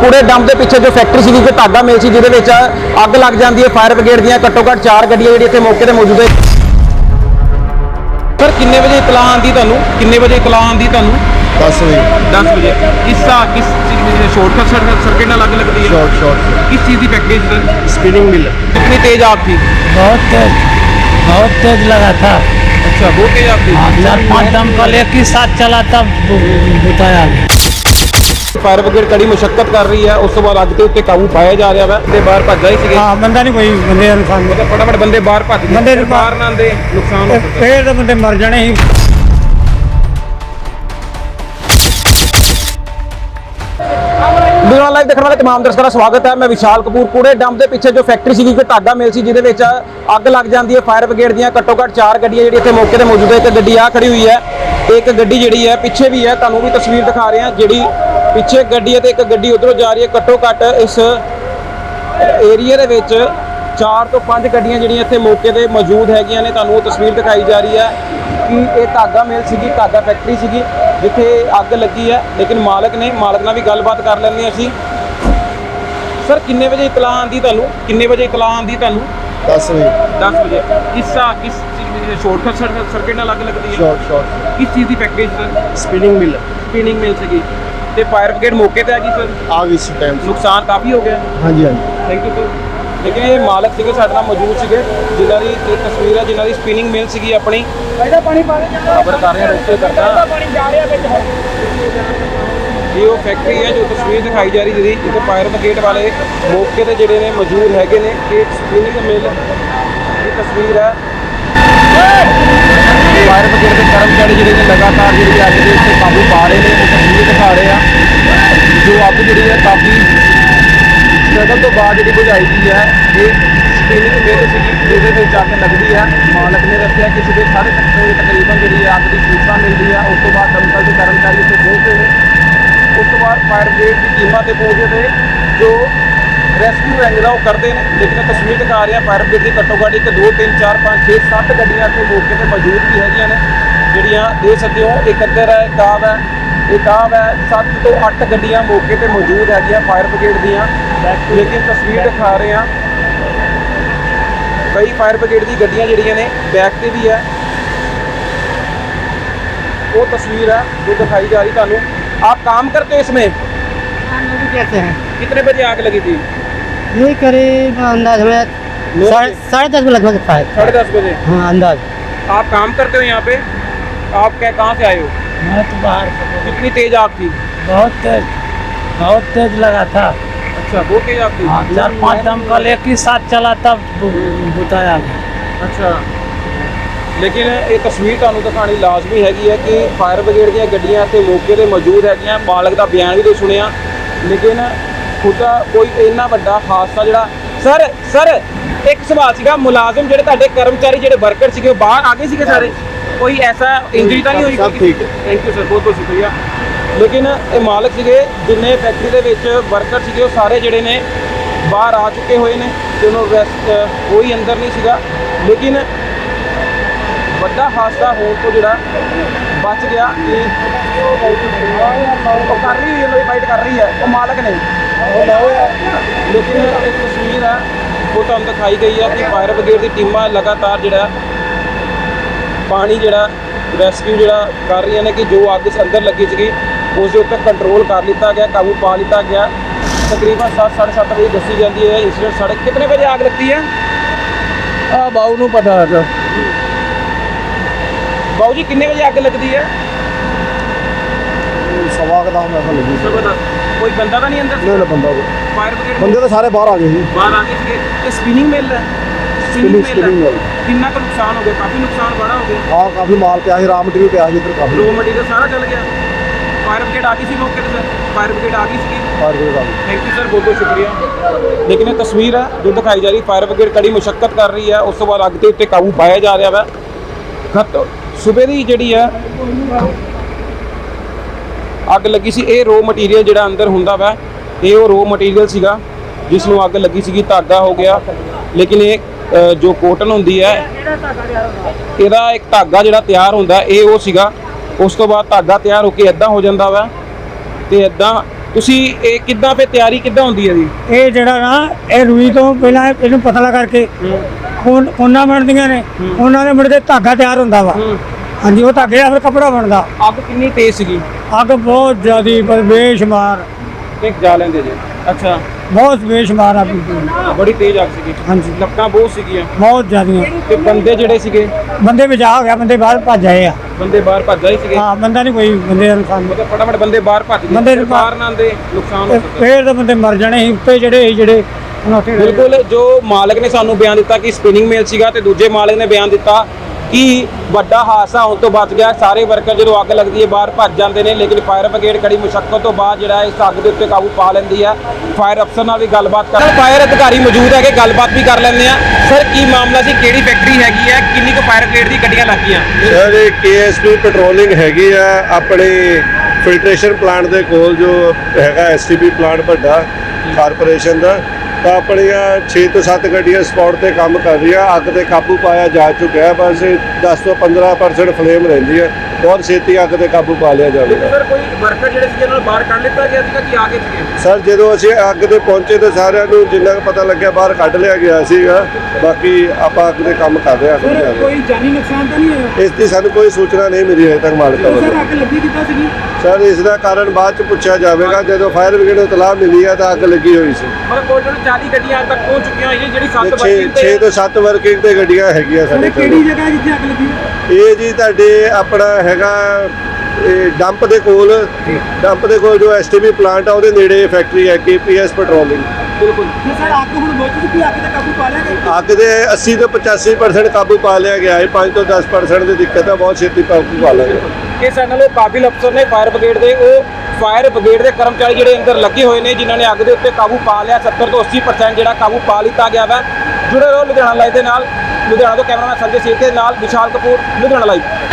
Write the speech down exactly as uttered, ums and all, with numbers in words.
कूड़े डंप के पिछे जो फैक्ट्री सी कोई धागा मिल सी जिहदे विच अग लग जाती है। फायर ब्रिगेड दी घट्टो घट्ट चार गड्डियां जिहड़ी इत्थे मौके ते मौजूद है। सर किन्ने बजे इतला आंदी तुहानूं किन्ने बजे इतला आंदी तुहानूं? दस बजे दस बजे। किस किस शॉर्ट सर्किट नाल अग लगती है? शॉर्ट शॉर्ट किस चीज़ की फैक्ट्री सर? स्पिनिंग मिल। कितनी तेज आग थी? बहुत तेज बहुत तेज लगा था। अच्छा बहुत तेज आग थी। चार पाँच दमकल एक ही साथ चला तब बुताया। फायर ब्रिगेड कड़ी मुशक्कत कर रही है, उस तो बाद अग के उत्ते काबू पाया जा रहा है। बंदे बाहर भज गए। हाँ बंदा नहीं कोई बंदे नुकसान मतलब फटाफट बंदे बाहर भज गए। बंदे बाहर ना आंदे नुकसान हो सकता। फिर तो बंदे मर जाने ही। लाइव देखने वाले तमाम दर्शकों का स्वागत है। मैं विशाल कपूर। कूड़े डंप के पिछे जो फैक्ट्री सी कोई धागा मिल सी जिहदे विच अग लग जाती है। फायर ब्रिगेड दी घट्टो घट्ट चार गड्डियां जिहड़ी इत्थे मौके ते मौजूद है। एक गड्डी आ खड़ी हुई है, एक गड्डी जिहड़ी है पिछे भी है, तुहानूं भी तस्वीर दिखा रहे हैं। जिहड़ी पिछे गड्डी है ते एक गड्डी उधरों जा रही है। घट्टो घट्ट इस एरिए दे विच चार तो पांच गड्डियां जिहड़ियां इत्थे मौके ते मौजूद हैगियां ने। तुहानूं तस्वीर दिखाई जा रही है कि ये धागा मिल सी, धागा फैक्ट्री सी जिथे अग लगी है। लेकिन मालक ने मालक नाल भी गलबात कर लैंदे हैं असीं। सर किन्ने बजे इतला आंदी तुहानूं किन्ने बजे इतला आंदी तुहानूं? दस बजे। दस बजे। किस किस शॉर्ट सर्किट नाल अग लगती है? शॉर्ट शॉर्ट किस चीज़ की factory sir? Spinning mill. Spinning mill सी ते फायर ब्रिगेड मौके ते आ गई सर। आ गई इस टाइम। नुकसान काफ़ी हो गया। हाँ जी हाँ जी। Thank you sir. लेकिन ये मालक सीगे साडे नाल मौजूद सीगे जिन्हां दी एक तस्वीर है, जिन्हां दी स्पिनिंग मिल सीगी अपनी। खबर कर रहे हैं रोके करना ये वो फैक्ट्री है जो तस्वीर दिखाई जा रही जी। इतने फायर ब्रिगेड वाले मौके ते जिहड़े ने मौजूद हैगे ने। एक स्पिनिंग मिल की तस्वीर है। फायर ब्रिगेड के कर्मचारी जिहड़े ने लगातार जिहड़ी अग दे उत्ते काबू पा रहे हैं। वो तस्वीर दिखा रहे हैं जो अग जिहड़ी है काफ़ी स्ट्रगल तो बाद जी बुझाई गई है। ये स्पिनिंग मिल सी जिहदे विच अग लगती है। मालक ने दस्सिया कि सुबह साढ़े सत्त बजे तकरीबन जी अग की सूचना मिलती है। उस तो बाद दमकल के कर्मचारी उत्थे पहुंचते हैं। उस तो बाद फायर ब्रिगेड की टीमां ते पहुंचे थे जो रेस्क्यू रैंक का वो करते हैं। लेकिन तस्वीर दिखा रहे हैं फायर ब्रिगेड की घट्टो घट्ट एक दो तीन चार पाँच छे सत्त गड्डियां इत्थे मौके ते मौजूद भी हैगियां ने जिहड़ियां दे सकते हो। एक अद्धर है, एक आव है, एक आव है। सत्त तो अठ गड्डियां मौके ते मौजूद हैगियां फायर ब्रिगेड दियां। लेकिन तस्वीर दिखा रहे हैं कई फायर ब्रिगेड की गड्डियां जिहड़ियां ने बैक ते भी है। वो तस्वीर है जो दिखाई जा रही तुहानूं। आप काम करते हो इसमें? कैसे हैं? कितने बजे आग लगी थी? ये करीब अंदाज में साढ़े साढ़े दस बजे लगभग था। साढ़े दस बजे। हाँ अंदाज। आप काम करते हो यहाँ पे? आप क्या कहाँ से आए हो? मैं तो बाहर। कितनी तेज आग थी? बहुत तेज बहुत तेज लगा था। अच्छा बहुत तेज आग थी। हाँ चार पाँच दमकल एक ही साथ चला तब बुताया। अच्छा लेकिन ये तस्वीर तुहानूं दिखानी लाजमी हैगी है कि फायर ब्रिगेड दी गड्डियां इत्थे मौके ते मौजूद हैगियां। मालक का बयान भी तो सुनिया। लेकिन खुदा कोई इन्ना वड्डा हादसा जिहड़ा सर सर एक सवाल सीगा मुलाजम जिहड़े तुहाडे कर्मचारी जिहड़े वर्कर सीगे बाहर आ गए सीगे सारे? कोई ऐसा इंजरी तो नहीं हुई? सब ठीक है। थैंक यू सर, बहुत बहुत शुक्रिया। लेकिन ये मालक सीगे जिन्ने फैक्ट्री दे विच वर्कर सीगे वो सारे जिहड़े ने बाहर आ चुके हुए ने ते उन्होंने रेस्ट कोई अंदर नहीं सीगा। लेकिन ਵੱਡਾ ਹਾਦਸਾ ਹੋਣ ਤੋਂ ਜਿਹੜਾ ਬਚ ਗਿਆ ਕਿ ਉਹ ਕਰ ਰਹੀ ਹੈ, ਫਾਈਟ ਕਰ ਰਹੀ ਹੈ ਉਹ ਮਾਲਕ ਨੇ। ਲੇਕਿਨ ਇੱਕ ਤਸਵੀਰ ਹੈ ਉਹ ਤੁਹਾਨੂੰ ਦਿਖਾਈ ਗਈ ਹੈ ਕਿ ਫਾਇਰ ਬ੍ਰਿਗੇਡ ਦੀ ਟੀਮਾਂ ਲਗਾਤਾਰ ਜਿਹੜਾ ਪਾਣੀ ਜਿਹੜਾ ਰੈਸਕਿਊ ਜਿਹੜਾ ਕਰ ਰਹੀਆਂ ਨੇ ਕਿ ਜੋ ਅੱਗ ਅੰਦਰ ਲੱਗੀ ਸੀਗੀ ਉਸ ਦੇ ਉੱਤੇ ਕੰਟਰੋਲ ਕਰ ਲਿੱਤਾ ਗਿਆ, ਕਾਬੂ ਪਾ ਲਿੱਤਾ ਗਿਆ। ਤਕਰੀਬਨ ਸੱਤ ਸਾਢੇ ਸੱਤ ਵਜੇ ਦੱਸੀ ਜਾਂਦੀ ਹੈ ਇੰਸੀਡੈਂਟ। ਸਾਡੇ ਕਿੰਨੇ ਵਜੇ ਆਗ ਲੱਗਦੀ ਹੈ? ਆ ਬਾਊ ਨੂੰ ਪਤਾ ਹੈ। बाबू जी कितने बजे आग लगती है? सवा का दाम ऐसा लगी। कोई बंदा तो नहीं अंदर? नहीं नहीं बंदा फायर ब्रिगेड बंदे तो सारे बाहर आ गए जी। बाहर आ गए थे। ये स्पिनिंग मिल है। Spinning spinning mill. कितना का नुकसान हो गया? काफ़ी नुकसान बड़ा हो गया। हाँ काफ़ी माल पे रॉ मटीरियल पे इधर काफ़ी। रॉ मटीरियल सारा चल गया। फायर ब्रिगेड आ गई सी मौके पर? सर फायर ब्रिगेड आ गई सी। फायर ब्रिगेड आ गई। थैंक यू सर, बहुत बहुत शुक्रिया। लेकिन ये तस्वीर है जो दिखाई जा रही फायर ब्रिगेड कड़ी मुशक्कत कर रही है। उस तो बाद अग के उत्ते काबू पाया जा रहा है। खत सुबह की जिहड़ी है अग लगी सी। ये रो मटीरियल जिहड़ा अंदर हुंदा वा ये वो रो मटीरियल सीगा जिस नूं अग लगी सीगी। धागा हो गया। लेकिन ये जो कॉटन हुंदी है इहदा एक धागा जिहड़ा तैयार हुंदा ये वो सीगा। उस तो बाद धागा तैयार होके इदां हो जांदा वा ते इदां ਤੁਸੀਂ ਇਹ ਕਿੱਦਾਂ ਫੇ ਤਿਆਰੀ ਕਿੱਦਾਂ ਹੁੰਦੀ ਹੈ ਜੀ? ਇਹ ਜਿਹੜਾ ਨਾ ਇਹ ਰੂਈ ਤੋਂ ਪਹਿਲਾਂ ਇਹਨੂੰ ਪਤਲਾ ਕਰਕੇ ਕੋਨ ਕੋਨਾ ਬਣਦੀਆਂ ਨੇ, ਉਹਨਾਂ ਦੇ ਮੁੜ ਕੇ ਧਾਗਾ ਤਿਆਰ ਹੁੰਦਾ ਵਾ। ਹਾਂਜੀ, ਉਹ ਧਾਗੇ ਨਾਲ ਫਿਰ ਕੱਪੜਾ ਬਣਦਾ। ਅੱਗ ਕਿੰਨੀ ਤੇਜ਼ ਸੀਗੀ? ਅੱਗ ਬਹੁਤ ਜ਼ਿਆਦੀ ਪਰ ਬੇਸ਼ੁਮਾਰ, ਇੱਕ ਜਾ ਲੈਂਦੇ ਜੀ। ਅੱਛਾ, ਬਹੁਤ ਬੇਸ਼ੁਮਾਰ ਅੱਗ ਬੜੀ ਤੇਜ਼ ਅੱਗ ਸੀਗੀ। ਹਾਂਜੀ, ਲੱਕਾਂ ਬਹੁਤ ਸੀਗੀਆਂ ਬਹੁਤ ਜ਼ਿਆਦੀਆਂ। ਤੇ ਬੰਦੇ ਜਿਹੜੇ ਸੀਗੇ, ਬੰਦੇ ਬਚਾ ਹੋ ਗਿਆ, ਬੰਦੇ ਬਾਹਰ ਭੱਜ ਆਏ ਆ। ਬੰਦੇ ਬਾਹਰ ਭੱਜ ਆਏ ਸੀਗੇ? ਹਾਂ, ਬੰਦਾ ਨਹੀਂ ਕੋਈ, ਬੰਦੇ ਦਾ ਨੁਕਸਾਨ ਨਹੀਂ। ਮਤਲਬ ਫਟਾਫਟ ਬੰਦੇ ਬਾਹਰ ਭੱਜ ਗਏ, ਬੰਦੇ ਫਿਰ ਬਾਹਰ ਨਾ ਆਉਂਦੇ ਨੁਕਸਾਨ ਹੋ ਤੇ ਸਕਦਾ। ਫੇਰ ਤਾਂ ਬੰਦੇ ਮਰ ਜਾਣੇ ਸੀ, ਉੱਤੇ ਜਿਹੜੇ ਸੀ ਜਿਹੜੇ ਹੁਣ ਉੱਥੇ ਰਹੇ। ਬਿਲਕੁਲ, ਜੋ ਮਾਲਕ ਨੇ ਸਾਨੂੰ ਬਿਆਨ ਦਿੱਤਾ ਕਿ ਸਪਿਨਿੰਗ ਮਿਲ ਸੀਗਾ, ਤੇ ਦੂਜੇ ਮਾਲਕ ਨੇ ਬਿਆਨ ਦਿੱਤਾ ਕਿ ਵੱਡਾ ਹਾਦਸਾ ਹੋਣ ਤੋਂ ਬਚ ਗਿਆ। ਸਾਰੇ ਵਰਕਰ ਜਦੋਂ ਅੱਗ ਲੱਗਦੀ ਹੈ ਬਾਹਰ ਭੱਜ ਜਾਂਦੇ ਨੇ, ਲੇਕਿਨ ਫਾਇਰ ਬ੍ਰਿਗੇਡ ਕੜੀ ਮੁਸ਼ੱਕਤ ਤੋਂ ਬਾਅਦ ਜਿਹੜਾ ਇਸ ਅੱਗ ਦੇ ਉੱਤੇ ਕਾਬੂ ਪਾ ਲੈਂਦੀ ਹੈ। ਫਾਇਰ ਅਫਸਰ ਨਾਲ ਵੀ ਗੱਲਬਾਤ ਕਰ ਫਾਇਰ ਅਧਿਕਾਰੀ ਮੌਜੂਦ ਹੈਗੇ, ਗੱਲਬਾਤ ਵੀ ਕਰ ਲੈਂਦੇ ਆ। ਸਰ, ਕੀ ਮਾਮਲਾ ਸੀ? ਕਿਹੜੀ ਫੈਕਟਰੀ ਹੈਗੀ ਹੈ? ਕਿੰਨੀ ਕੁ ਫਾਇਰ ਬ੍ਰਿਗੇਡ ਦੀ ਗੱਡੀਆਂ ਲੱਗੀਆਂ? ਸਰ, ਇਹ ਕੇ ਐਸ ਪੀ ਪੈਟਰੋਲਿੰਗ ਹੈਗੀ ਆ ਆਪਣੇ ਫਿਲਟਰੇਸ਼ਨ ਪਲਾਂਟ ਦੇ ਕੋਲ, ਜੋ ਹੈਗਾ ਐਸ ਟੀ ਪੀ ਪਲਾਂਟ ਵੱਡਾ ਕਾਰਪੋਰੇਸ਼ਨ ਦਾ। ਤਾਂ ਆਪਣੀਆਂ ਛੇ ਤੋਂ ਸੱਤ ਗੱਡੀਆਂ ਸਪੌਟ ਤੇ ਕੰਮ ਕਰ ਰਹੀਆਂ। ਅੱਗ ਤੇ ਕਾਬੂ ਪਾਇਆ ਜਾ ਚੁੱਕਿਆ ਹੈ। ਬਸ ਦਸ ਤੋਂ ਪੰਦਰਾਂ ਪਰਸੈਂਟ ਫਲੇਮ ਰਹਿੰਦੀ ਹੈ। ਬਹੁਤ ਛੇਤੀ ਅੱਗ ਤੇ ਕਾਬੂ ਪਾ ਲਿਆ ਜਾਵੇਗਾ। ਸਰ, ਕੋਈ ਵਰਕਰ ਜਿਹੜੇ ਸੀਗੇ ਉਹਨਾਂ ਨੂੰ ਬਾਹਰ ਕੱਢ ਲਿੱਤਾ ਗਿਆ ਸੀਗਾ ਕਿ ਆ ਗਏ ਸੀਗੇ? ਸਰ, ਜਦੋਂ ਅਸੀਂ ਅੱਗ ਤੇ ਪਹੁੰਚੇ ਤਾਂ ਸਾਰਿਆਂ ਨੂੰ ਜਿੰਨਾ ਕੁ ਪਤਾ ਲੱਗਿਆ ਬਾਹਰ ਕੱਢ ਲਿਆ ਗਿਆ ਸੀਗਾ। ਬਾਕੀ ਆਪਾਂ ਅੱਗ ਦੇ ਕੰਮ ਕਰ ਰਹੇ ਹਾਂ। ਕੋਈ ਜਾਨੀ ਨੁਕਸਾਨ ਤਾਂ ਨਹੀਂ ਹੋਇਆ? ਇਸ ਦੀ ਸਾਨੂੰ ਕੋਈ ਸੂਚਨਾ ਨਹੀਂ ਮਿਲੀ ਹਜੇ ਤੱਕ ਮਾਲਕਾਂ ਵੱਲੋਂ। ਅੱਗ ਲੱਗੀ ਕਿੱਦਾਂ ਸੀਗੀ? ਸਰ, ਇਸ ਦਾ ਕਾਰਨ ਬਾਅਦ ਚ ਪੁੱਛਿਆ ਜਾਵੇਗਾ। ਜਦੋਂ ਫਾਇਰ ਬ੍ਰਿਗੇਡ ਨੂੰ ਇਤਲਾਹ ਮਿਲੀ ਹੈ ਤਾਂ ਅੱਗ ਲੱਗੀ ਹੋਈ ਸੀ। ਮਤਲਬ ਕੋਲ ਚਾਲੀ ਗੱਡੀਆਂ ਅੱਜ ਤੱਕ ਪਹੁੰਚ ਚੁੱਕੀਆਂ ਹੋਈਆਂ, ਜਿਹੜੀ ਸੱਤ ਛੇ ਵਰਕਿੰਗ ਤੇ ਛੇ ਤੋਂ ਸੱਤ ਵਰਕਿੰਗ ਤੇ ਗੱਡੀਆਂ ਹੈਗੀਆਂ ਸਾਡੇ ਕੋਲ। ਕਿਹੜੀ ਜਗ੍ਹਾ ਜਿੱਥੇ ਅੱਗ ਲੱਗੀ? ਇਹ ਜੀ ਤੁਹਾਡੇ ਆਪਣਾ ਹੈਗਾ ਇਹ ਡੰਪ ਦੇ ਕੋਲ, ਡੰਪ ਦੇ ਕੋਲ ਜੋ ਐਸ ਟੀ ਬੀ ਪਲਾਂਟ ਆ ਉਹਦੇ ਨੇੜੇ ਫੈਕਟਰੀ ਹੈ ਕੇ ਪੀ ਐਸ ਪੈਟਰੋਲਿੰਗ। ਬਿਲਕੁਲ। ਸਰ, ਅੱਗ ਹੁਣ ਬੁਝ ਚੁੱਕੀ, ਅੱਗ ਤੇ ਕਾਬੂ ਪਾ ਲਿਆ ਗਿਆ? ਅੱਗ ਦੇ ਅੱਸੀ ਤੋਂ ਪਚਾਸੀ ਪਰਸੈਂਟ ਕਾਬੂ ਪਾ ਲਿਆ ਗਿਆ ਹੈ। ਪੰਜ ਤੋਂ ਦਸ ਪਰਸੈਂਟ ਦੀ ਦਿੱਕਤ ਹੈ, ਬਹੁਤ ਛੇਤੀ ਕਾਬੂ ਪਾ ਲਾਂਗੇ। ਇਹ ਸਾਡੇ ਨਾਲ ਉਹ ਕਾਬਿਲ ਅਫਸਰ ਨੇ ਫਾਇਰ ਬ੍ਰਿਗੇਡ ਦੇ, ਉਹ ਫਾਇਰ ਬ੍ਰਿਗੇਡ ਦੇ ਕਰਮਚਾਰੀ ਜਿਹੜੇ ਅੰਦਰ ਲੱਗੇ ਹੋਏ ਨੇ, ਜਿਨ੍ਹਾਂ ਨੇ ਅੱਗ ਦੇ ਉੱਤੇ ਕਾਬੂ ਪਾ ਲਿਆ। ਸੱਤਰ ਤੋਂ ਅੱਸੀ ਪਰਸੈਂਟ ਜਿਹੜਾ ਕਾਬੂ ਪਾ ਲਿੱਤਾ ਗਿਆ ਵਾ। ਜੁੜੇ ਰਹੋ ਲੁਧਿਆਣਾ ਲਾਈਵ ਦੇ ਨਾਲ। ਲੁਧਿਆਣਾ ਤੋਂ ਕੈਮਰਾਮੈਨ ਸੰਜੇ ਸੇਠ ਦੇ ਨਾਲ ਵਿਸ਼ਾਲ ਕਪੂਰ, ਲੁਧਿਆਣਾ ਲਾਈਵ।